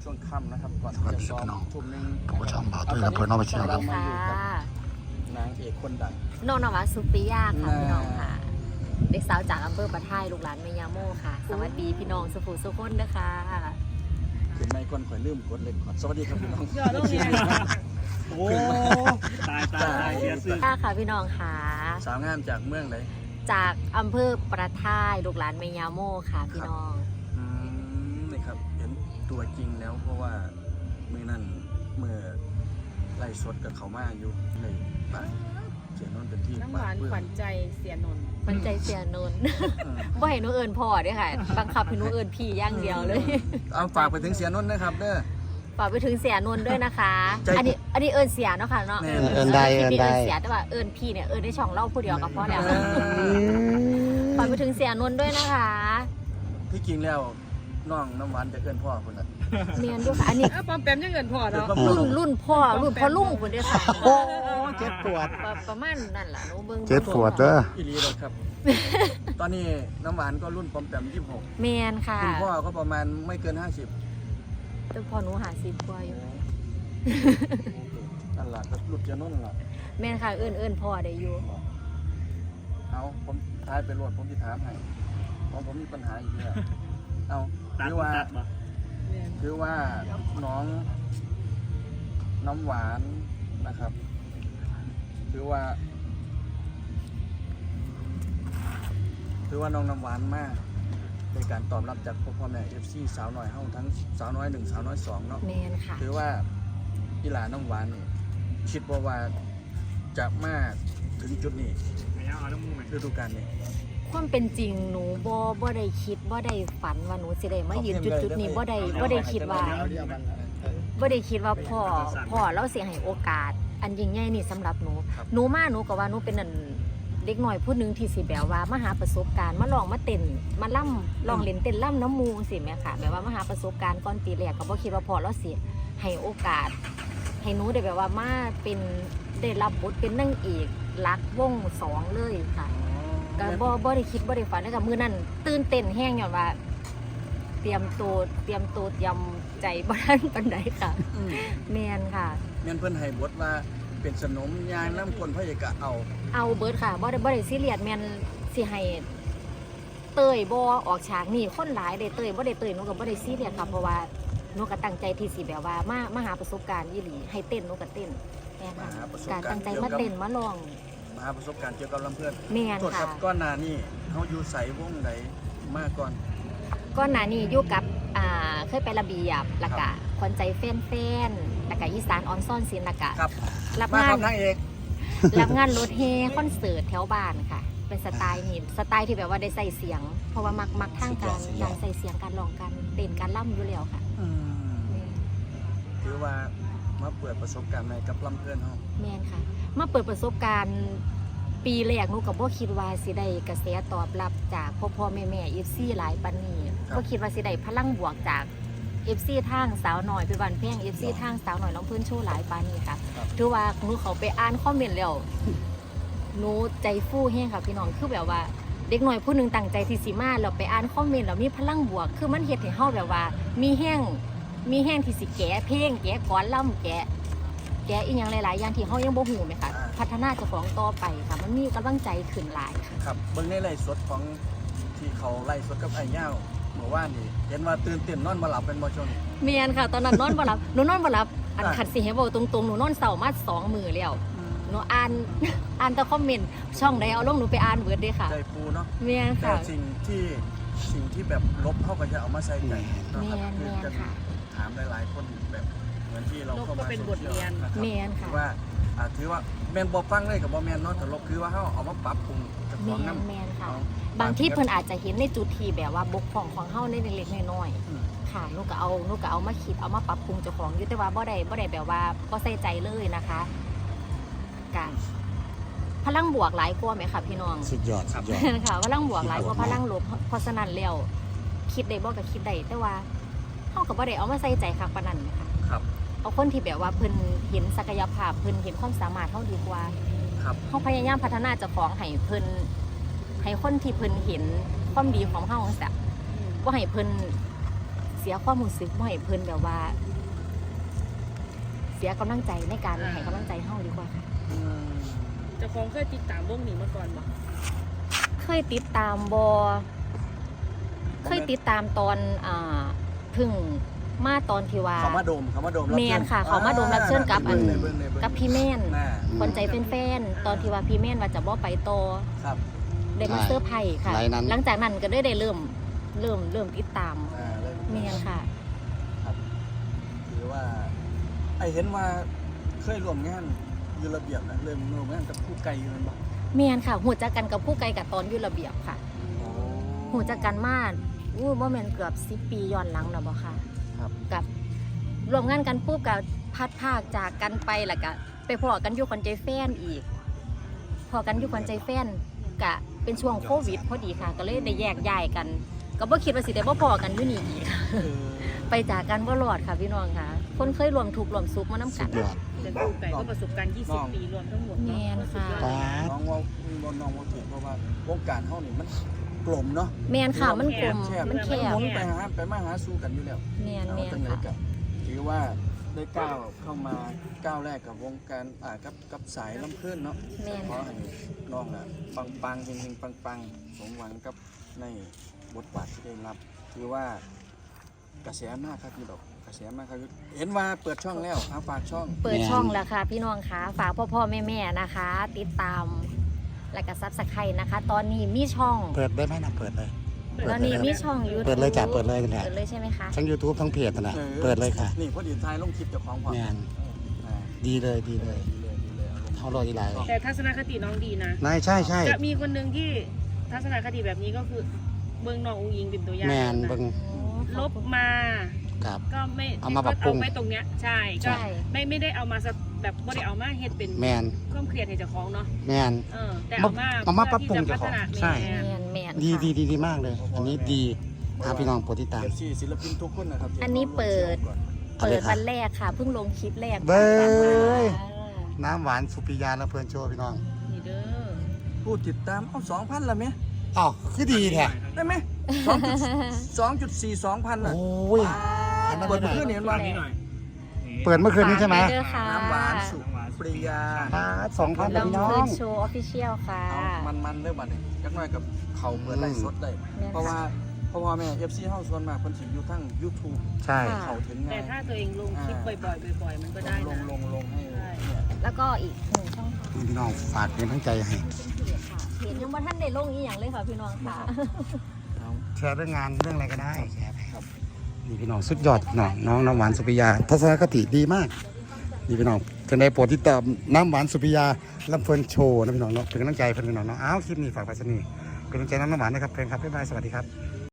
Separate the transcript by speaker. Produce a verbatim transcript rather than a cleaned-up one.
Speaker 1: ช่วงค่ำนะครับก่อน
Speaker 2: สวัสดี
Speaker 1: จะซ้อม
Speaker 2: พี่น้อง
Speaker 1: ทุ่มหนึง
Speaker 2: ผู้ชมบ่าวตุ้ยและเพื่อนน้องไปเชียร์ครับ
Speaker 1: มาอยู่กับนางเอกคนดัง
Speaker 3: น้องนวัดสุปิยาค่ะ
Speaker 1: น่า
Speaker 3: พี่น้องค่ะ เด็กสาวจากอำเภอปะไทยลูกหลานเมยาโมค่ะ สวัสดีพี่น้องสุภูสุคนนะคะ
Speaker 1: ถึงไม่ก่อนข่อยลืมกดเล็กก่อนสวัสดีครับพี่น้อง
Speaker 4: ยอดต้องเนี่ยโอ้ตายตายตายเสียสื่อ
Speaker 3: ค่ะค่ะพี่น้องค่ะ
Speaker 1: สาวงามจากเมืองไหน
Speaker 3: จากอำเภอปะไทยลูกหลานเมยาโมค่ะพี่น้อง
Speaker 1: อืมนี่ครับเห็นตัวจริงแล้วเพราะว่าเมื่อนั้นเมื่อไล่สดกับเขามาอยู่เลยป้าเสียงนนเป็นที่
Speaker 4: น้ำหวาน
Speaker 1: ปลื้ม
Speaker 4: ขวัญใจเสียนนท์
Speaker 3: มันใจเสียนนท์
Speaker 1: เออ
Speaker 3: บ่ให้หนูเอิญพ่อเด้วยค่ะ บังคับให้หนูเอิญพี่อย่างเดียวเลย
Speaker 1: เอาฝากไปถึงเสียนนท์นะครับเด้อ
Speaker 3: ฝากไปถึงเสียนนท์ด้วยนะคะ
Speaker 1: ใจ
Speaker 3: อันนี้อันนี้เอิญเสียเนาะค่ะเนาะ
Speaker 1: แน่
Speaker 2: เอิ้นได้
Speaker 3: คลิปนี้
Speaker 2: เอิ้นได้
Speaker 3: เสียแต่ว่าเอิญพี่เนี่ยเอิญได้ช่องเล่าผู้เดียวก็พอแล้ว
Speaker 1: เออ
Speaker 3: ฝากไปถึงเสียนนท์ด้วยนะคะ
Speaker 1: ที่จริงแล้วน้องน้ำหวานจะเกินพ่อคนละ
Speaker 3: เมียนด้วยค่ะอันนี้
Speaker 4: เอ้าปอมแปมยังเงินพอเนาะ
Speaker 3: รุ่นรุ่นพ่อรุ่นพ่อลุงคนเดียวค่ะ
Speaker 2: โอ้เจ็บปวด
Speaker 3: ประประมาณนั่นแหละหนูเบิ่ง
Speaker 2: เจ็บปวดเด้อ
Speaker 1: อีหลีเลยครับ ตอนนี้น้ำหวานก็รุ่นปอมแปมยี่สิบหก
Speaker 3: เมียนค่ะ
Speaker 1: คุณพ่อก็ประมาณไม่เกินห้าสิบ
Speaker 3: แต่พ่อหนูหาสิบกว่าอยู่
Speaker 1: นั่นแหละก็รุ่นจะนุ่นแหละ
Speaker 3: เมียนค่ะเอิญเอิญพ่อได้อยู่
Speaker 1: เอาผมท้ายไปรวดผมจะถามให้เพราะผมมีปัญหาอีกแล้วเอา
Speaker 4: ตัด
Speaker 1: คือว่า
Speaker 4: ตัดบ่
Speaker 1: คือว่าน้องน้ำหวานนะครับคือว่า คือว่าน้องน้ำหวานมากในการตอบรับจากพ่อแม่เอฟซีสาวน้อยเฮาทั้งสาวน้อยหนึ่งสาวน้อยสองเนาะ
Speaker 3: เมียนค่ะ
Speaker 1: คือว่าอีหลาน้ำหวานนี่คิดว่าว่าจะมาถึงจุดนี้
Speaker 4: ไม่เอาเอาน้ำมูกไหม
Speaker 1: ฤดูกาลนี้
Speaker 3: ความเป็นจริงหนูบ่บ่ได้คิดบ่ได้ฝันว่าหนูสิได้มายืนจุดจุดๆนี้บ่ได้บ่ได้คิดว่าบ่ได้คิดว่าพ่อพ่อเราสิให้โอกาส อันยิ่งใหญ่นี่สำหรับหนูหนูมาหนูก็ว่าหนูเป็นนั่นเด็กหน่อยผู้หนึงที่สิแบบว่ามาหาประสบการณ์มาลองมาเต้นมาล่ำลองเล่นเต้นล่ำน้ำมูสิแม่ค่ะแบบว่ามาหาประสบการณ์ก่อนปีแรกก็บ่คิดว่าพ่อเราสิให้โอกาส ให้หนูได้แบบว่ามาเป็นได้รับบทเป็นนางเอกรักวงสองเลยค่ะ ก็บ่บ่ได้คิดบ่ได้ฝันเลยกับมือนั้นตื่นเต้นแห้งอย่างว่า เตรียมตัวเตรียมตัวเตรียมใจบ่ทันปานใดค่ะ
Speaker 1: อืม
Speaker 3: แม่นค่ะ
Speaker 1: เงินเพิ่นให้บทว่าเป็นสนมยางน้ำคนพระเอกะเอา
Speaker 3: เอาเบิดค่ะบ่ได้บ่ได้ซีเรียสแม่นสิให้เต้ยบ่ออกฉากนี่คนหลายได้เต้ยบ่ได้เต้ยหนูก็บ่ได้ซีเรียสค่ะเพราะว่าหนูก็ตั้งใจที่สิแบบว่ามามาหาประสบการณ์อีหลีให้เต้นหนูก็เต้นแม่นค่ะ
Speaker 1: มาหาประสบ
Speaker 3: การ
Speaker 1: การณ์
Speaker 3: ตั้งใจมาเต้นมาลอง
Speaker 1: มาหาประสบการณ์เกี่ยวกับลำเพื่อน
Speaker 3: แม่น
Speaker 1: ตรวจค
Speaker 3: ค่ะ
Speaker 1: รับก้อนหนานี่เขาอยู่ใสวงไหนมาก่อน
Speaker 3: ก่อนหน้านี้อยู่กับอ่าเคยไประเบียบแล้วก็ขวัญใจแฟนๆแล้วก็อีสานออนซ่อนศิลป์แล้วก็
Speaker 1: ครับ
Speaker 3: รับ
Speaker 1: มาค
Speaker 3: งาน
Speaker 1: รับนางเอก
Speaker 3: รับงานรถเฮคอนเสิร์ตแถวบ้านค่ะ เป็นสไตล์นี่สไตล์ที่แบบว่าได้ใส่เสียง เพราะว่ามักมักทางการการใส่เสียงการร้องการเต้นการล่ำอยู่แล้วค่ะ
Speaker 1: อืมถือว่ามาเปิดประสบการณ์ใหม่กับลำเพื่อนเขา
Speaker 3: แม่นค่ะ มาเปิดประสบการณ์ปีแรกหนูกับบ่คิดว่าสิได้กระแสตอบรับจากพ่อพ่อแม่แม่เอฟซีหลายปานนี้บ่คิดว่าสิได้พลังบวกจากเอฟซีทางสาวหน่อยเป็นวันเพ่งเอฟซีทางสาวหน่อยน้องเพื่อนโชว์หลายปานนี้ค่ะถือว่าหนูเขาไปอ่านคอมเมนต์แล้วหนูใจฟู่แห้งค่ะพี่น้องคือแบบว่าเด็กหน่อยผู้หนึงตั้งใจที่สิมาแล้วไปอ่านคอมเมนต์แล้วมีพลังบวก คือมันเฮ็ดให้เฮาแบบว่า มีแห้งมีแห้งที่สิแก้เพลงแก้ก้อนล่ำแก้แก้อีกอย่างหลายๆอย่างที่เฮายังบ่ฮู้ไหมคะพัฒนาเจ้าของต่อไปค่ะมันมีกำลังใจขึ้นหลายค่ะ
Speaker 1: ครับเบิ่งในไล่สดของที่เขาไล่สดกับไอ้ย่าวเมื่อวานนี่เห็นว่าตื่นเต้นนอนมาหลับเป็นบ่ช่วงนี้
Speaker 3: เมียนค่ะ ตอนนั้นนอนบ่หลับหนูนอนบ่หลับอัน
Speaker 1: อ่ะ
Speaker 3: ขัดสิให้บอกตรงๆหนูนอนเสาร์มาสองมื้อแล้วหนูอ่าน อ่านแต่คอมเมนต์ช่องใดเอาลงหนูไปอ่านเบิดเด้ค่ะ
Speaker 1: ใจฟูเนาะ
Speaker 3: เมียน
Speaker 1: แต่
Speaker 3: ค่ะ
Speaker 1: สิ่งที่สิ่งที่แบบลบเขาก็จะเอามาใส่ใจเนาะครับ
Speaker 3: แม่น
Speaker 1: คือจะ
Speaker 3: แม่นค่ะ
Speaker 1: ถามหลายๆคนแบบเหมือนที่เราเข้า
Speaker 4: ลบก็
Speaker 1: มา
Speaker 4: เป็น
Speaker 1: โซ
Speaker 4: บท
Speaker 1: ชียล
Speaker 4: เรียน
Speaker 1: นะครับ
Speaker 3: เมียน
Speaker 1: ถื
Speaker 3: ค่ะ
Speaker 1: อว่าอ่าถือว่าแมนบอฟังเลยกับบอแมนเนาะแต่ลบคือว่าเขาเอามาปรับปรุงจากข
Speaker 3: เมี
Speaker 1: อง
Speaker 3: ย
Speaker 1: น้
Speaker 3: นเมียนค่ะ
Speaker 1: เอา
Speaker 3: บางที่เพิ่นอาจจะเห็นในจุดที่แบบว่าบกพร่องของเฮาในเล็กๆน้อย
Speaker 1: อืม
Speaker 3: ๆค่ะหนูก็เอาหนูก็เอามาคิดเอามาปรับปรุงเจ้าของอยู่แต่ว่าบ่ได้บ่ได้แบบว่าบ่ใส่ใจเลยนะคะการพลังบวกหลายกว่าไหมค่ะพี่น้อง
Speaker 2: สุดยอดสุดยอด
Speaker 3: ค่ะพลังบวกหลายกว่าพลังลบเพราะฉะนั้นแล้วคิดได้บ่ก็คิดได้แต่ว่าเฮาก็บ่ได้เอามาใส่ใจคักปานนั้นนะคะ
Speaker 1: ครับ
Speaker 3: เอาคนที่แบบว่าเพิ่นเห็นศักยภาพเพิ่นเห็นความสามารถเฮาดีกว่า
Speaker 1: ครับ
Speaker 3: เฮาพยายามพัฒนาเจ้าของให้เพิ่นให้คนที่เพิ่นเห็นความดีของเฮาจังซี่บ่ให้เพิ่นเสียความรู้สึกบ่ให้เพิ่นแบบว่า เสียกำลังใจในการให้กำลังใจเฮาดีกว่าค่ะ
Speaker 1: อืม
Speaker 5: เจะคงเคยติดตามวงนี้มาก่อนบ่
Speaker 3: เคยติดตามบอเคยติดตามตอนอ่าเพึ่งมาตอนที่ว่า
Speaker 1: เขามาดมเขามาดมรับ
Speaker 3: แม
Speaker 1: ชิ
Speaker 3: น
Speaker 1: ญ
Speaker 3: ค่ะเขามาดมรับเชิญกับอัน
Speaker 1: เบิ่งเลยเบิ่งเลยเบิ่ง
Speaker 3: กับพี่แม่น
Speaker 1: น่า
Speaker 3: คนใจแฟนๆตอนที่ว่าพี่แม่นว่าจะบ่ไปต่อ
Speaker 1: ครับ
Speaker 3: ได้มาเซอร์ไพรส์ค่ะ
Speaker 2: ไลน์นั้น
Speaker 3: หลังจากนั้นก็ได้ได้เริ่มเริ่มเริ่มติดตาม
Speaker 1: อ่าเลย
Speaker 3: แมนค่ะ
Speaker 1: หรือว่าไอเห็นว่าเคยร่วมงานอยูระเบียบนะเริ่มร่วมงานกับผู้ไกลอยู่นั่นบ่
Speaker 3: แมนค่ะหูจักกันกับผู้ไกลกับตอนอยุระเบียบค่ะ
Speaker 1: โอ้
Speaker 3: หูจักกันมาอู้บ่แม่นเกือบสิบปีย้อนหลังแล้วบ่ค่ะ
Speaker 1: ครับ
Speaker 3: กับรวมงานกันปุ๊บกับพัดภาคจากกันไปแล้วก็ไปพอกันอยู่คนใจแฟนอีก พอกันอยู่คนใจแฟนกะเป็นช่วงโควิดพอดีค่ะ ก็เลยได้แยกย้ายกัน ก็บ่คิดว่าสิได้บ่พอกันอยู่นี่อีก
Speaker 1: เออ
Speaker 3: ไปจากกันบ่รอดค่ะพี่น้องค่ะ คนเคยรวมทุกข์รวมสุขมานํ
Speaker 2: สุ
Speaker 3: กั
Speaker 2: ด
Speaker 3: น
Speaker 2: ยอด
Speaker 5: แต่ครูไก่ก็ประสบการณ์ยี่สิบปีรวมทั้งหมด
Speaker 3: แม
Speaker 5: เนาะ
Speaker 3: นค่ะ
Speaker 2: ป๊าด
Speaker 1: น้องว่าน้องว่าถือเพราะว่าวงการเฮานี่มันกลมเนาะ
Speaker 3: แมนค่ะมันกลม
Speaker 1: แคบ
Speaker 3: มันแคบ
Speaker 1: หมุนไปหาไปมาหาสู้กันอยู่แล้ว
Speaker 3: แมนแม
Speaker 1: เอา
Speaker 3: น
Speaker 1: จังไหน
Speaker 3: ค่ะ
Speaker 1: กับถือว่าได้ก้าวเข้ามาก้าวแรกกับวงการอ่ากับกับสายลำเพื่อนเนาะ
Speaker 3: แมน
Speaker 1: ขอ
Speaker 3: ค่ะ
Speaker 1: ให้น้องน่ะปังปังๆเฮงๆปังปังๆสมหวังกับในบทบาทที่ได้รับถือว่ากระแสมากครับพี่ดอกกระแสมากครับเห็นว่าเปิดช่องแล้วเอาฝากช่อง
Speaker 3: เปิดช่องแล้วค่ะ พี่น้องค่ะฝากพ่อพ่อแม่แม่ๆนะคะ ติดตามและก็ซับสไครต์นะคะ ตอนนี้มีช่อง
Speaker 2: เปิดได้ไหมนะเปิดเลย
Speaker 3: ตอนนี้มีช่องยูทูบ
Speaker 2: เปิดเลยจ้ะเปิดเลยนั่นแหละ
Speaker 3: เปิดเลยใช่ไหมคะ
Speaker 2: ทั้ง YouTube ทั้งเพจนั่นแหละ
Speaker 1: ออ
Speaker 2: เปิดเลยค่ะ
Speaker 1: นี่พอดีท้ายลงคลิปเจ้าของพอ
Speaker 2: แม่น
Speaker 1: อ่า
Speaker 2: ดีเลยดีเลย
Speaker 1: ดีเลยดีเลยเอาลง
Speaker 2: เท่ารอดีไร
Speaker 5: แต่ทัศนคติน้องดีนะ
Speaker 2: นายใช่ใช่
Speaker 5: จะมีคนหนึ่งที่ทัศนคติแบบนี้ก็คือเบิ่งน้องอุ้งอิงเป็นตัวอย่าง
Speaker 2: แมน
Speaker 5: นะ
Speaker 2: เบิ่ง
Speaker 5: ลบมา
Speaker 2: กับ
Speaker 5: ก็ไม่
Speaker 2: เอามาปรับปรุง
Speaker 5: เอาไว้ตรงเนี้ยใช่
Speaker 2: ใช่
Speaker 5: ก็ไม่ไม่ได้เอามาสะแบบไม่ได้เอามาเฮ็ดเป็น
Speaker 2: แมน
Speaker 5: ความเครียดให้เจ้าของเนาะ
Speaker 2: แมน
Speaker 5: เออแต่เอามา
Speaker 2: เอามาปรับปรุงเจ้าของใช่
Speaker 3: แมนแมน
Speaker 2: ดี
Speaker 3: ค่ะ
Speaker 2: ดีดีดีมากเลย อันนี้ดีอาพี่น้องโปรดติดตาม
Speaker 1: เอฟซีศิลปินทุกคนนะครับที่
Speaker 3: อันนี้เปิด
Speaker 2: เอาเล
Speaker 3: เปิ
Speaker 2: ย
Speaker 3: ด
Speaker 2: ค่ะ
Speaker 3: วันแรกค่ะเพิ่งลงคลิปแรก
Speaker 2: เบ้ย
Speaker 3: ค่ะ
Speaker 2: น้ำหวานสุปิยาและเพลินโชว์พี่น้อง
Speaker 5: นี่เด้อ
Speaker 1: ผู้ติดตามเอาสองพันละไหม
Speaker 2: อ๋อคือดีแท้
Speaker 1: ได้ไหมสองจุดสองจุดสี่สองพันอ่ะ
Speaker 2: โอ้ย
Speaker 1: เปิดเมื่อคืนเห็นว่า
Speaker 5: นี่หน่อย
Speaker 2: เปิดเมื่อคืนนี้ใช่ไหม
Speaker 3: ฝากว้เด้อค่ะ
Speaker 1: น้ำหวานสุปริยา
Speaker 2: สองพัน
Speaker 3: ลำ
Speaker 2: พี่น้อ
Speaker 3: เพิ
Speaker 2: ง
Speaker 3: นโชว์ออฟฟิเชียลค่ะ
Speaker 1: เอามันมันๆเรื่องบัดนี้จักหน่อยกับเขาเปิดไล่สดได้
Speaker 3: แม่น
Speaker 1: เพราะว่าเพราะว่าแม่ เอฟ ซี เฮาส่วนมากเพิ่นสิอยู่ทั้ง YouTube
Speaker 2: ใช่
Speaker 3: ค่ะ
Speaker 1: เขาถึง
Speaker 5: แต่
Speaker 1: ง่าย
Speaker 5: ถ้าตัวเองลงคลิปบ่อยๆบ่อยๆ มันก็ได้
Speaker 1: ล
Speaker 5: นะ
Speaker 1: งลงลงให้
Speaker 5: ใช่
Speaker 1: เนี่ย
Speaker 3: แล้วก็อีกหนึ่งช่องทาง
Speaker 2: นี่พี่น้องฝากเป็นทั้งใจให้
Speaker 3: เป็นเพจค่ะเพจยังว่าท่านได้ลงอีอย่างเลยค่ะพี่น้องค่ะ
Speaker 1: เอา
Speaker 2: แชร์เรื่องงานเรื่องอะไรก็ได้แชร์ไปครับนี่พี่น้องสุดยอดพี่น้องน้องน้ำหวานสุปิยาทัศนคติดีมากนี่พี่น้องจะได้โปรดติดตามน้ำหวานสุปิยาลำเพลินโชว์นะพี่น้องเนาะเป็นกำลังใจเพื่อนพี่น้องเนาะอ้าวคลิปนี้ฝากไปสนีเป็นกำลังใจน้องน้ำหวานนะครับเพื่อนครับบ๊ายบายสวัสดีครับ